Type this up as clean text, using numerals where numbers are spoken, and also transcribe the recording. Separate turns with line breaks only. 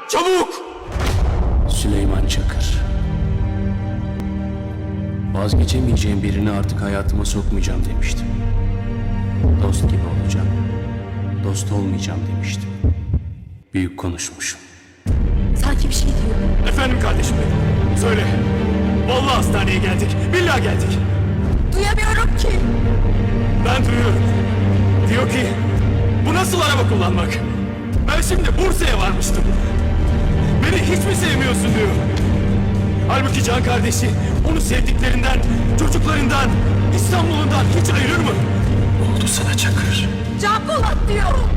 Çabuk!
Süleyman Çakır. Vazgeçemeyeceğim birini artık hayatıma sokmayacağım demiştim. Dost gibi olacağım. Dost olmayacağım demiştim. Büyük konuşmuşum.
Sanki bir şey diyor.
Efendim kardeşim benim. Söyle. Vallahi hastaneye geldik. Billahi geldik.
Duyamıyorum ki.
Ben duyuyorum. Diyor ki bu nasıl araba kullanmak? Ben şimdi Bursa'ya varmıştım. Beni hiç mi sevmiyorsun diyor. Halbuki can kardeşi onu sevdiklerinden, çocuklarından, İstanbul'undan hiç ayırır mı?
Ne oldu sana Çakır?
Can Polat diyor.